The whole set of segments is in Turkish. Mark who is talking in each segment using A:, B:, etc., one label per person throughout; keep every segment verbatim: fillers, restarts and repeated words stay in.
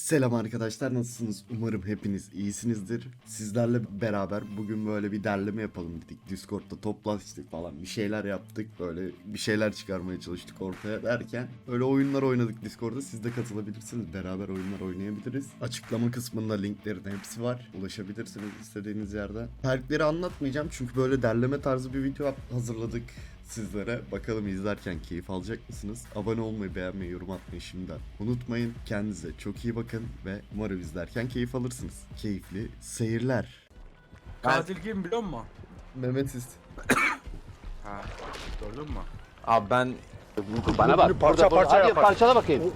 A: Selam arkadaşlar, nasılsınız? Umarım hepiniz iyisinizdir. Sizlerle beraber bugün böyle bir derleme yapalım dedik. Discord'da toplaştık falan, bir şeyler yaptık. Böyle bir şeyler çıkarmaya çalıştık ortaya derken öyle oyunlar oynadık Discord'da. Siz de katılabilirsiniz. Beraber oyunlar oynayabiliriz. Açıklama kısmında linklerin hepsi var. Ulaşabilirsiniz istediğiniz yerden. Perkleri anlatmayacağım çünkü böyle derleme tarzı bir video hazırladık sizlere. Bakalım izlerken keyif alacak mısınız? Abone olmayı, beğenmeyi, yorum atmayı şimdiden unutmayın. Kendinize çok iyi bakın ve umarım izlerken keyif alırsınız. Keyifli seyirler.
B: Katil kim biliyor musun?
A: Mehmetiz.
B: Ha, gördün mü?
C: Abi ben
D: Bana bak.
B: parça
D: Burada,
B: parça
D: hadi
B: yapar.
D: parçala bakayım.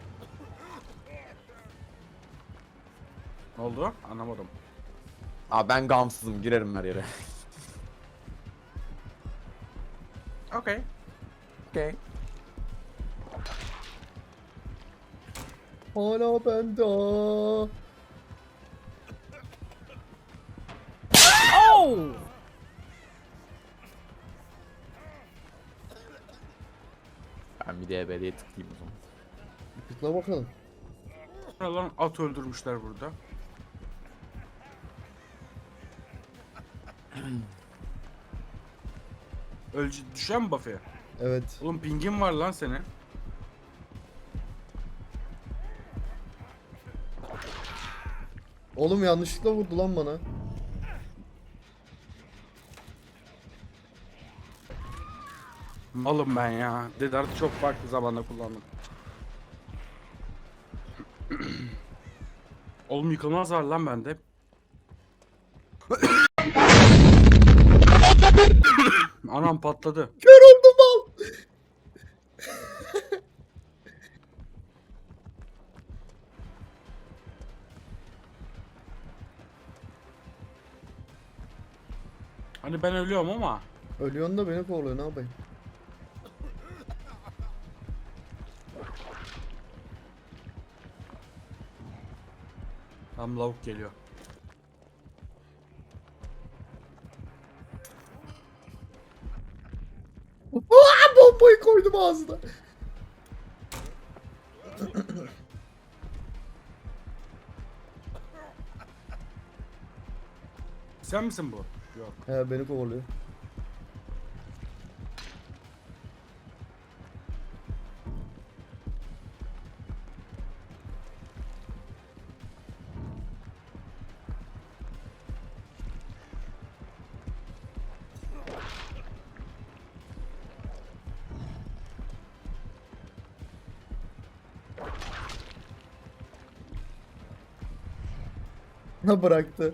B: Ne oldu? Anlamadım.
C: abi ben gamsızım, girerim her yere.
B: Okey.
C: Okey.
A: Hala bende.
C: Ben bir de ebediye tıklayayım o zaman.
A: Tıkla bakalım.
B: Ne lan at öldürmüşler burada. Ölce düşen mi Buffy?
A: Evet.
B: Oğlum pingin var lan senin.
A: Oğlum yanlışlıkla vurdu lan bana.
B: Malım ben ya. Dedart'ı çok farklı zamanda kullandım. Oğlum yıkılmaz var lan bende. Anam patladı.
A: Kör oldum al.
B: Hani ben ölüyorum ama.
A: Ölüyorsun da beni kovalıyor, ne yapayım?
B: Tam lavuk geliyor.
A: Aa, bombayı koydum ağzına.
B: Sen misin bu? Yok.
A: He, beni kovalıyor. Ha, bıraktı.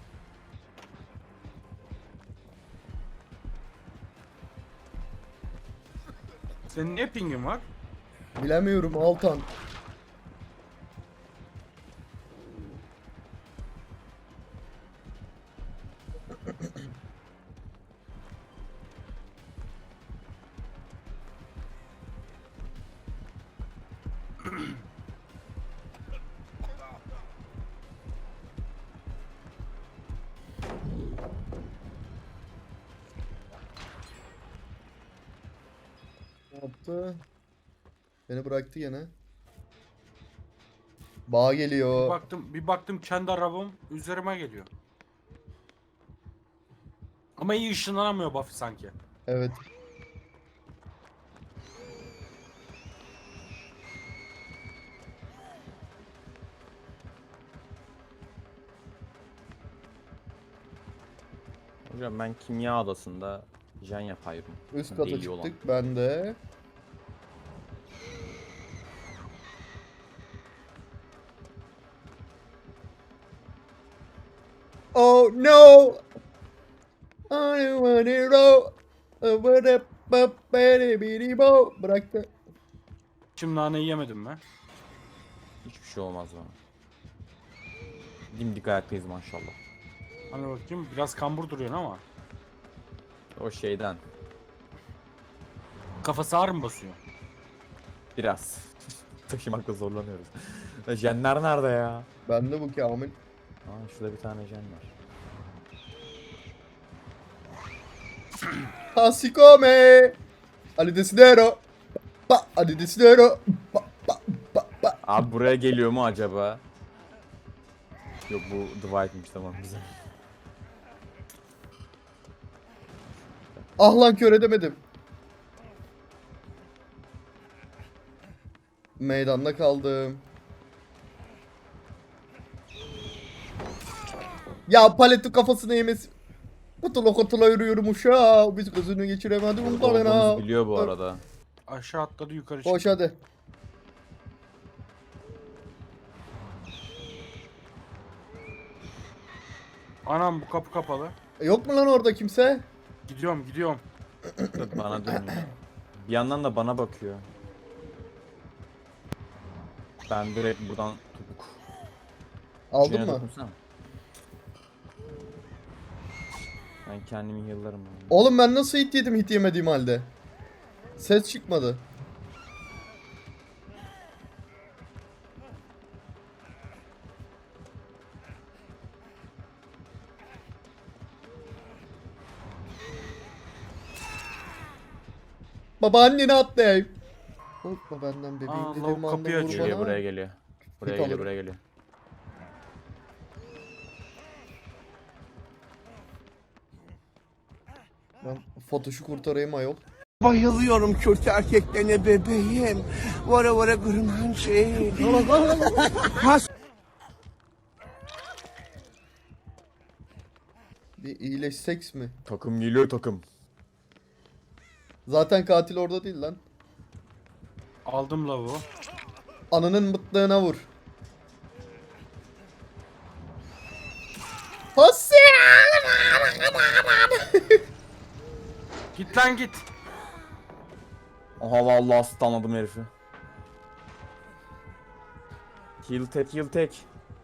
B: Senin niye pingin var?
A: Bilemiyorum Altan. Ne yaptı? Beni bıraktı gene. Bağ
B: Bir
A: geliyor.
B: baktım, bir baktım kendi arabam üzerime geliyor. Ama iyi ışınlanamıyor Buffy sanki.
A: Evet.
C: Hocam ben kimya odasında jen yapıyorum.
A: Üst kata
C: Deli olan.
A: çıktık, ben de. Oh no! I want it all. Bıraktı.
B: Şimdi naneyi yemedim mi?
C: Hiçbir şey olmaz bana. Dimdik ayaktayız maşallah.
B: Hani bakayım biraz kambur duruyorsun ama.
C: O şeyden
B: Kafası ağır mı basıyor?
C: biraz taşımakta zorlanıyoruz. Jenler nerede ya?
A: Bende bu Kamil.
C: Aa, şurada bir tane jen var.
A: Hasikome. Ali Desidero. Pa, Ali Desidero. Pa, pa, pa, pa.
C: Abi buraya geliyor mu acaba? Yok bu Dwight'miş, tamam güzel.
A: Ah lan kör edemedim. Meydanda kaldım. Ya paletin kafasına yemesi. Kutula kutula yürüyorum uşağı. Biz kızını geçiremedim.
C: Burada olduğumuzu biliyor bu arada.
B: Aşağı atladı yukarı çıktı.
A: Koş hadi.
B: Anam bu kapı kapalı.
A: E, Yok mu lan orada kimse?
B: Gidiyorum gidiyorum.
C: Yok, bana dönüyor. Bir yandan da bana bakıyor. Ben direkt buradan topuk.
A: Aldın
C: Şuna
A: mı?
C: dokunsana. Ben kendimi yıllarım. abi.
A: Oğlum ben nasıl hit yedim hit yemediğim halde? Ses çıkmadı. Babaanneni atlayayım. Korkma benden bebeğim
B: Aa,
A: dediğim
B: lavuk
A: anda
B: kapıyı
A: vur
B: açıyor.
C: Geliyor,
A: bana.
C: buraya geliyor. Buraya
A: Hit
C: geliyor,
A: alırım.
C: buraya geliyor.
A: Ben Fatoş'u kurtarayım ayol.
D: Bayılıyorum Kürt erkeklerine bebeğim. Vara vara gırman şey.
A: Bir iyileşseks mi?
C: Takım geliyor, takım.
A: Zaten katil orada değil lan.
B: Aldım lavuğu.
A: Ananın mıtlığına vur. Hassi!
B: Git lan git.
C: Aha vallahi stunladım herifi. Heal tek, heal tek.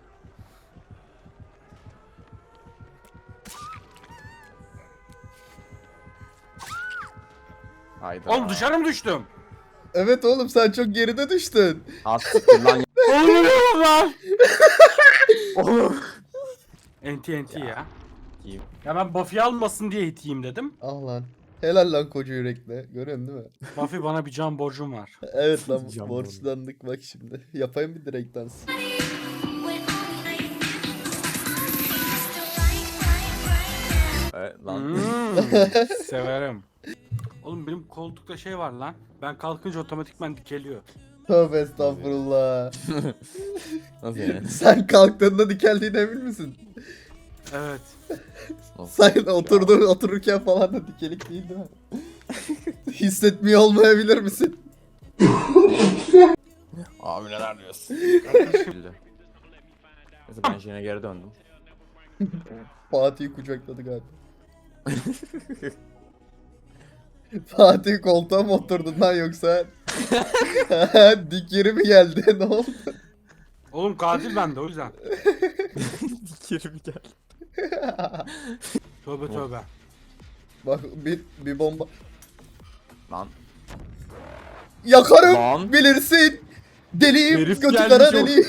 C: Hayda.
B: Oğlum dışarı mı düştüm?
A: Evet oğlum sen çok geride düştün.
C: Az siktir lan.
B: Oğlum lan.
C: Oğlum.
B: Enti enti ya.
C: İyi.
B: Ya ben Buffy almasın diye iteyim dedim.
A: Ah lan. Helal lan koca yürekle. Görüyorsun değil mi?
B: Buffy bana bir can borcum var.
A: Evet lan
C: Can
A: borçlandık bak şimdi. Yapayım bir direkt dans.
C: Evet lan.
B: Hmm, severim. Oğlum benim koltukta şey var lan. Ben kalkınca otomatikman dikeliyor.
A: Tövbe estağfurullah.
C: Nasıl yani?
A: Sen kalktığında dikeldiğine emin misin?
B: Evet.
A: Sen oturduğun otururken falan da dikelik değil değil mi? Hissetmiyor olmayabilir misin?
C: Abi neler diyorsun? Neyse ben yine geri döndüm.
A: Fatih'i kucakladı galiba. Fatih koltuğa mı oturdun lan yoksa? Dik yeri mi geldi? Ne oldu?
B: Oğlum katil bende o yüzden.
C: Geri mi geldi?
B: Tövbe tövbe.
A: Bak bir, bir bomba.
C: Lan.
A: Yakarım
C: Lan.
A: bilirsin. Deliyim
C: Herif
A: götü
C: gelmiş
A: kara
C: o.
A: deliyim.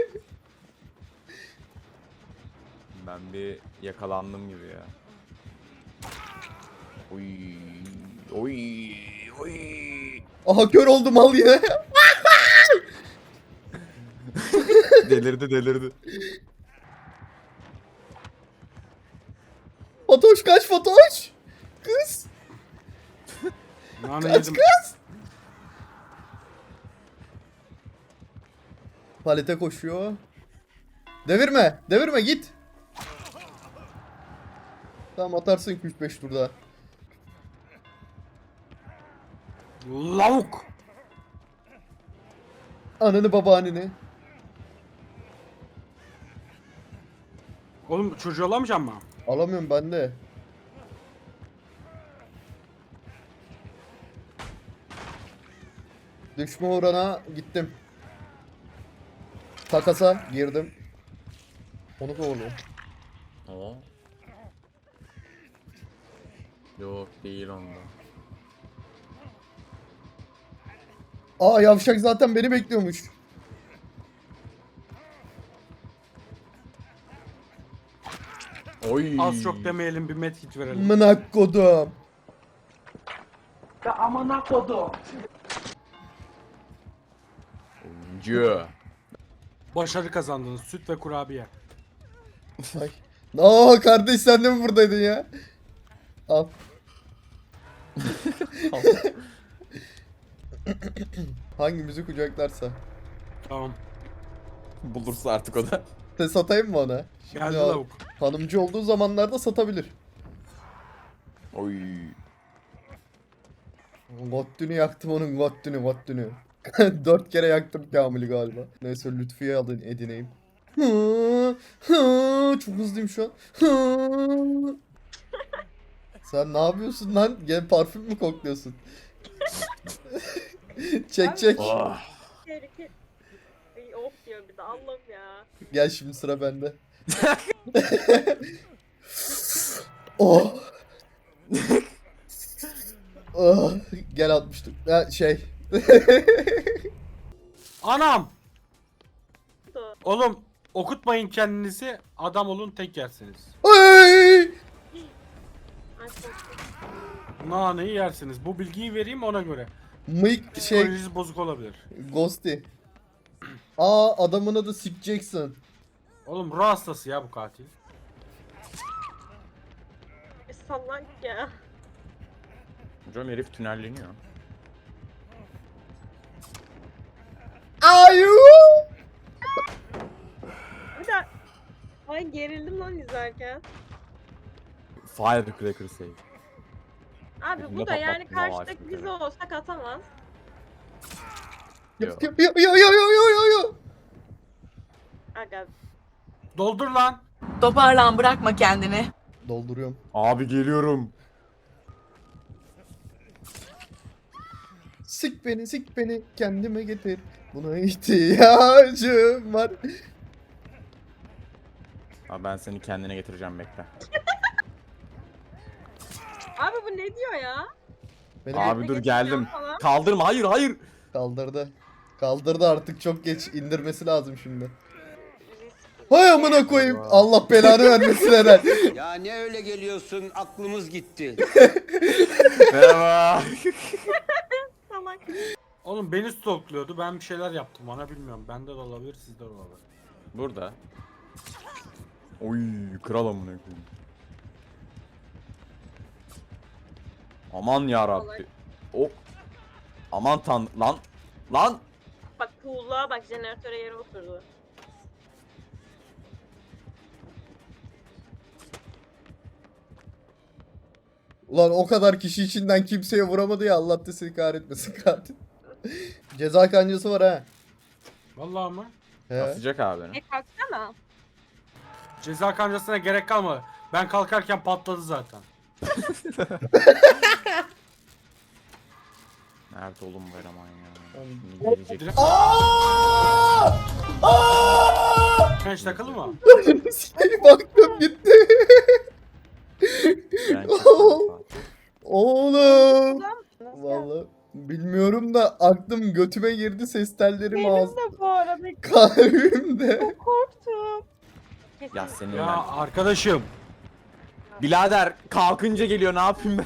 C: Ben bir yakalandım gibi ya. Oy. Oy. Oy.
A: Aha kör oldum al yine.
C: Delirdi delirdi.
A: Fatoş kaç Fatoş. Kız.
B: Nane
A: Kaç
B: yedim.
A: kız. Palete koşuyor. Devirme. Devirme git. Tamam atarsın iki üç beş turda.
B: Lavuk.
A: Ananı babaanneni.
B: Oğlum çocuğu alamayacağım mı?
A: Alamıyorum ben de. Düşme uğruna gittim. Takasa girdim. Onu kovalıyor.
C: Oo. Yok değil onda.
A: Aa yavşak zaten beni bekliyormuş.
C: Oy.
B: Az çok demeyelim bir medkit verelim.
A: Mınak kodum.
C: Oyuncu.
B: Başarı kazandınız. Süt ve kurabiye.
A: Ay. Aa kardeş sen de mi buradaydın ya? Al. Hangimizi kucaklarsa.
B: Tamam.
C: Bulursa artık o da.
A: Te satayım mı ona? Şimdi
B: Geldi
A: o
B: lavuk.
A: hanımcı olduğu zamanlarda satabilir.
C: Oy.
A: Gottünü yaktım onun gottünü gottünü. Dört kere yaktım Kamil'i galiba. Neyse Lütfü'ye alın edineyim. Hı, hı, çok hızlıyım şu an. Hı. Sen ne yapıyorsun lan? Gel parfüm mü kokluyorsun? Çek çek.
C: Oh.
E: Tehlike. Ay, of diyor bir de Allah'ım ya.
A: Gel şimdi sıra bende. Oh. Oh. Gel atmıştım. Ha, şey.
B: Anam!
E: Su.
B: Oğlum okutmayın kendinizi. Adam olun tek yersiniz.
A: Ay!
E: Ay korktum.
B: Naneyi yersiniz. Bu bilgiyi vereyim ona göre.
A: Mıyk şey
B: Psikolojisi bozuk olabilir.
A: Ghosty. Aa adamın adı Sick Jackson.
B: Oğlum ruh hastası ya bu katil.
E: Bir salak ya.
C: Hocam herif tünelleniyor.
A: Ayu!
E: Bir de ay gerildim lan izlerken.
C: Firecracker save.
E: Abi
C: Ne
E: bu da yani
C: patlattın Allah
E: karşıdaki
C: aşkına.
E: biz olsak atamaz.
A: Yo yo yo yo yo yo yo yo.
E: Aga
B: Doldur lan.
F: Toparlan, bırakma kendini.
A: Dolduruyorum.
C: Abi geliyorum.
A: Sik beni sik beni kendime getir. Buna ihtiyacım var.
C: Abi ben seni kendine getireceğim bekle.
E: abi bu ne diyor ya?
A: Beni
C: Abi dur
E: getireceğim
C: geldim.
E: falan.
C: Kaldırma hayır hayır.
A: kaldırdı. Kaldırdı artık çok geç indirmesi lazım şimdi. Hay amına koyayım. Allah belanı vermesin Eren.
G: Ya ne öyle geliyorsun? Aklımız gitti.
C: Merhaba.
E: Salak.
B: Oğlum beni stalkluyordu. Ben bir şeyler yaptım ona bilmiyorum. Bende de olabilir, sizde de olabilir.
C: Burada. Oy kral amına koyayım. Aman ya Rabbi. O aman tan lan lan.
E: Bak cool'luğa bak jeneratöre yere oturdu.
A: Ulan o kadar kişi içinden kimseye vuramadı ya Allah da seni kahretmesin katil. Ceza kancası var ha.
B: Vallahi mı?
A: He.
C: Asacak abi beni.
E: E kalksana.
B: Ceza kancasına gerek kalmadı. Ben kalkarken patladı zaten.
C: Nerede oğlum bu eleman ya?
A: Oğlum.
C: Şimdi gelecek.
B: Genç takılı mı?
A: Baktım gitti.
C: Ben çıktım.
A: Oğlum.
E: Ulan,
A: Vallahi bilmiyorum da aklım götüme girdi ses tellerim
E: benim
A: ağız
E: de bu arada
A: kalbimde.
E: çok korktum. Kesin.
C: Ya senin
B: Ya
C: ben.
B: arkadaşım.
C: Birader kalkınca geliyor ne yapayım ben?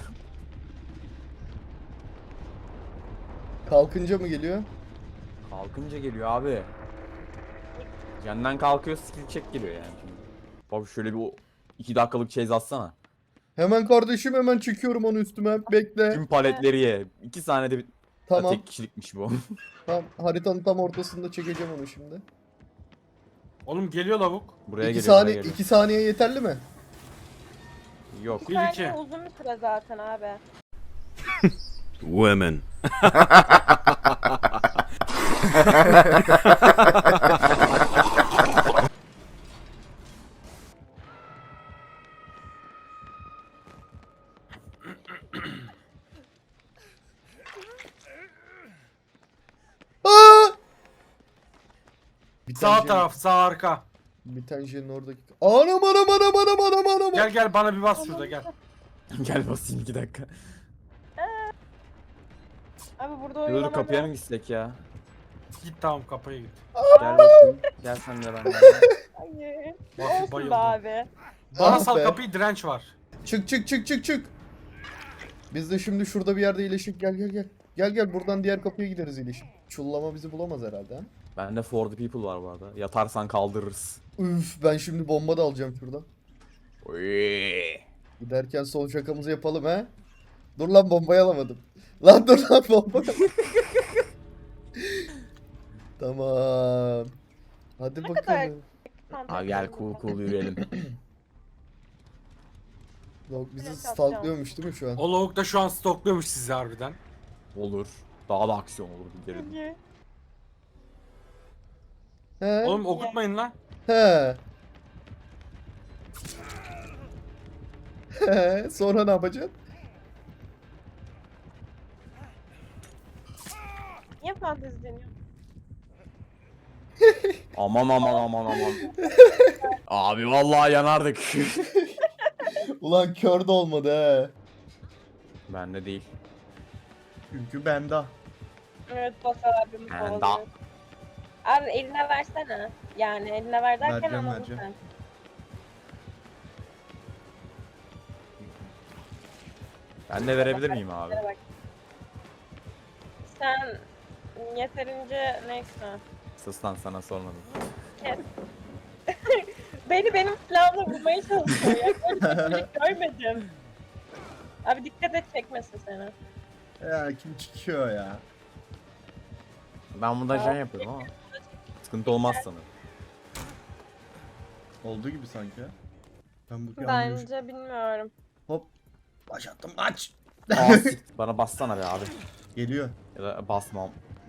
A: Kalkınca mı geliyor?
C: Kalkınca geliyor abi. Yandan kalkıyor skill check geliyor yani şimdi. Bak şöyle bir o iki dakikalık chase atsana.
A: Hemen kardeşim hemen çekiyorum onu üstüme bekle.
C: Tüm paletleri ye. iki saniyede bir...
A: Tamam.
C: Tek kişilikmiş bu.
A: Tamam haritanın tam ortasında çekeceğim onu şimdi.
B: Oğlum geliyor lavuk.
C: Buraya
A: iki
C: geliyor.
A: saniye
C: buraya geliyor.
A: iki saniye yeterli mi?
C: Yok.
B: Bir iki.
E: Yani uzun bir süre zaten abi.
H: Women.
A: Aa! Bir
B: Sağ
A: tane
B: taraf, sağ arka.
A: Bir tane şeyin oradaki. Anam anam anam anam anam anam.
B: Gel gel bana bir bas şurada gel.
C: Gel basayım iki dakika.
E: Abi burada
C: Dur
E: oynamam
C: kapıya mı gitsek ya?
B: Git tamam kapıya git.
C: Gel bakayım. Gel sen de ben de.
E: Hayır.
B: Bak,
E: Olsun
B: bayıldım.
E: be abi.
B: Bana
A: Ah
B: sal
A: be.
B: kapıyı, direnç var.
A: Çık çık çık çık çık. Biz de şimdi şurada bir yerde iyileşik gel gel gel. Gel gel buradan diğer kapıya gideriz iyileşik. Çullama bizi bulamaz herhalde ha.
C: Bende for the people var bu arada. Yatarsan kaldırırız.
A: Üf, ben şimdi bomba da alacağım şuradan.
C: Oy.
A: Giderken son şakamızı yapalım he. Dur lan, bombayı alamadım. Lan dur lan, bomba. Tamam. Hadi
E: kadar-
A: bakalım.
C: Abi gel cool cool yürüyelim.
A: Yok, bizi
E: Evet,
A: stalklıyormuş değil mi şu an?
B: O lavuk da şu an stokluyormuş sizi harbiden.
C: Olur. Daha da aksiyon olur gidelim.
A: He?
B: Oğlum okutmayın lan.
A: He. He. Sonra ne yapacaksın?
E: Niye fantezi deniyor?
C: Aman aman aman aman. Abi vallahi yanardık.
A: Ulan kör de olmadı he.
C: Bende değil.
A: Çünkü bende.
E: Evet Basar abim
C: Ben
E: kovalıyor.
C: da-
E: Abi eline versene. Yani eline ver derken
A: Vereceğim,
E: anladın
A: vereceğim.
E: sen.
C: Ben de verebilir miyim abi?
E: Bak. Sen yeterince neyse.
C: Sus lan, sana sormadım.
E: Kes. Beni benim silahımla vurmaya çalışıyor ya. Böyle bir şey görmedim. Abi dikkat et çekmesin seni.
A: Ya kim çıkıyor ya?
C: Ben bunda jen yapıyorum ama. Sıkıntı olmaz sanırım.
A: Olduğu gibi sanki. Ben bu
E: Bence bilmiyorum.
A: Hop. Başlattım, aç.
C: Aa, sik. Bana bassana be abi.
A: Geliyor.
C: Ya da basmam.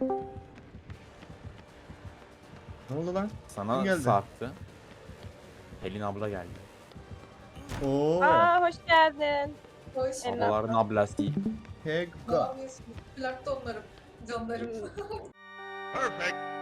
A: Ne oldu lan?
C: Sana
A: Kim geldi?
C: sarktı. Pelin abla geldi.
A: Oo.
E: Aa hoş geldin.
H: Hoş.
E: Pelin
C: Ablaların ablası değil.
H: Ne
A: Hegga.
H: yapıyorsun? Plakta onlarım. Canlarım.
G: Perfect.